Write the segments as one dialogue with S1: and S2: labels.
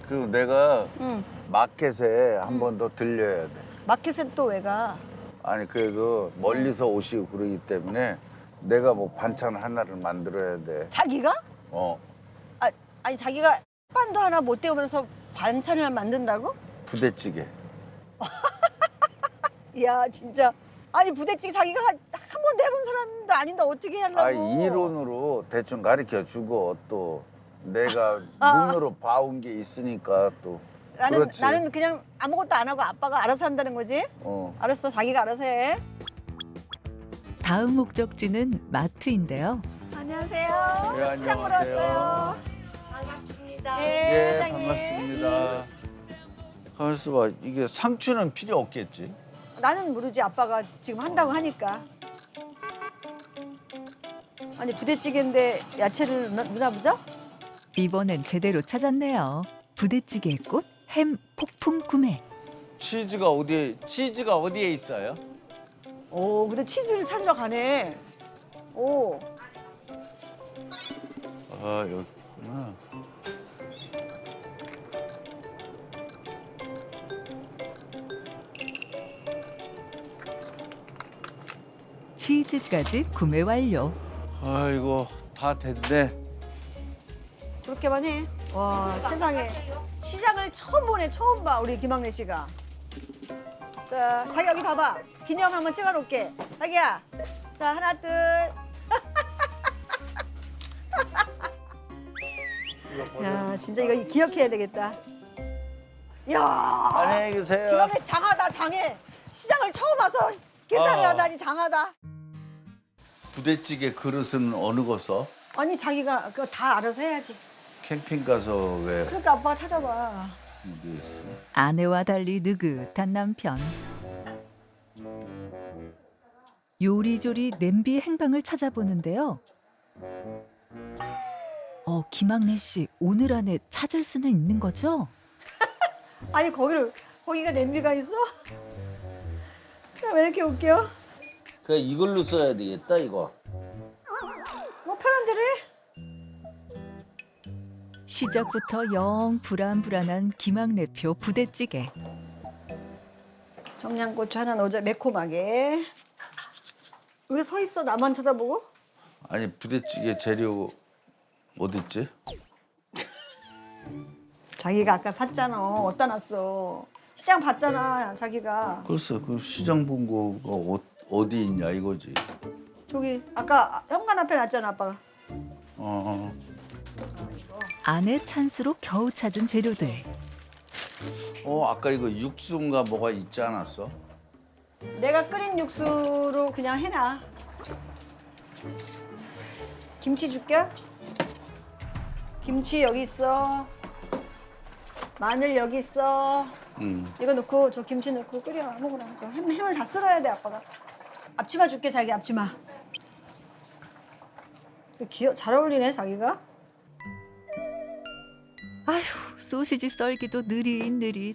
S1: 그리고 내가
S2: 응.
S1: 마켓에 한 번 더 들려야 돼.
S2: 마켓에 또 왜 가?
S1: 아니 그래도 멀리서 오시고 그러기 때문에 내가 뭐 반찬 하나를 만들어야 돼.
S2: 자기가?
S1: 어,
S2: 아니 자기가 반도 하나 못 때우면서 반찬을 만든다고?
S1: 부대찌개.
S2: 이야 진짜. 아니 부대찌개 자기가 한 번도 해본 사람도 아닌데 어떻게 하려고?
S1: 아, 이론으로 대충 가르쳐 주고 또 내가 눈으로 봐온 게 있으니까 또. 그렇지.
S2: 나는 그냥 아무것도 안 하고 아빠가 알아서 한다는 거지?
S1: 어.
S2: 알았어 자기가 알아서 해.
S3: 다음 목적지는 마트인데요.
S2: 안녕하세요.
S1: 네,
S2: 시장 보러
S1: 안녕하세요.
S2: 왔어요.
S4: 반갑습니다.
S2: 네,
S1: 예,
S2: 사장님.
S1: 반갑습니다. 가만있어 봐. 이게 상추는 필요 없겠지?
S2: 나는 모르지 아빠가 지금 한다고 하니까. 아니 부대찌개인데 야채를 넣나 보죠?
S3: 이번엔 제대로 찾았네요. 부대찌개의 꽃, 햄 폭풍 구매.
S5: 치즈가 어디에 있어요?
S2: 오 근데 치즈를 찾으러 가네. 오
S1: 아, 여기 있구나.
S3: 치즈까지 구매 완료.
S1: 아이고, 다 됐네.
S2: 그렇게만 해. 와 세상에 시장을 처음 보네 처음 봐 우리 김학래 씨가. 자 자기 여기 봐봐. 기념 한번 찍어놓을게. 자기야. 자 하나 둘. 야 진짜 이거 기억해야 되겠다. 야
S1: 안녕히 계세요.
S2: 김학래 장하다 장해. 시장을 처음 와서 계산을
S1: 아.
S2: 하다니 장하다.
S1: 부대찌개 그릇은 어느 거 써?
S2: 아니 자기가 그거 다 알아서 해야지.
S1: 캠핑 가서 왜
S2: 그러니까 아빠가 찾아봐.
S1: 어디 있어?
S3: 아내와 달리 느긋한 남편. 요리조리 냄비 행방을 찾아보는데요. 김학래 씨 오늘 안에 찾을 수는 있는 거죠?
S2: 아니 거기가 냄비가 있어? 왜 이렇게 웃겨?
S1: 그래 이걸로 써야 되겠다 이거.
S2: 뭐 편한 대로 해.
S3: 시작부터 영 불안불안한 김학래표 부대찌개.
S2: 청양고추 하나 넣자 매콤하게. 왜 서 있어 나만 쳐다보고?
S1: 아니 부대찌개 재료 어디 있지?
S2: 자기가 아까 샀잖아. 어디다 놨어? 시장 봤잖아 자기가.
S1: 글쎄 그 시장 본 거가 어디 있냐 이거지.
S2: 저기 아까 현관 앞에 놨잖아 아빠가.
S1: 어.
S3: 아내 찬스로 겨우 찾은 재료들.
S1: 아까 이거 육수인가 뭐가 있지 않았어?
S2: 내가 끓인 육수로 그냥 해놔. 김치 줄게. 김치 여기 있어. 마늘 여기 있어. 이거 넣고 저 김치 넣고 끓여 아무거나. 저 햄을 다 쓸어야 돼 아빠가. 앞치마 줄게 자기 앞치마. 잘 어울리네 자기가.
S3: 아휴 소시지 썰기도 느릿느릿.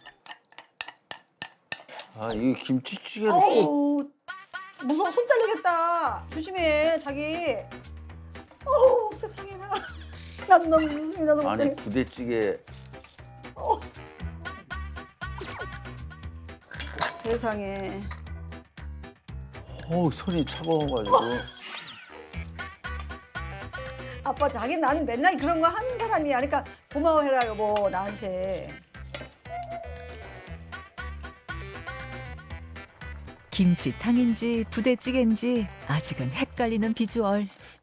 S1: 아 이 김치찌개를
S2: 어우 무서워 손 잘리겠다. 조심해 자기. 어우 세상에나. 나도 너무 웃음이 나서
S1: 아니
S2: 못해.
S1: 부대찌개
S2: 세상에.
S1: 손이 차가워가지고
S2: 아빠 자기 나는 맨날 그런 거 하는 사람이야. 그러니까 고마워해라 여보 나한테.
S3: 김치탕인지 부대찌개인지 아직은 헷갈리는 비주얼.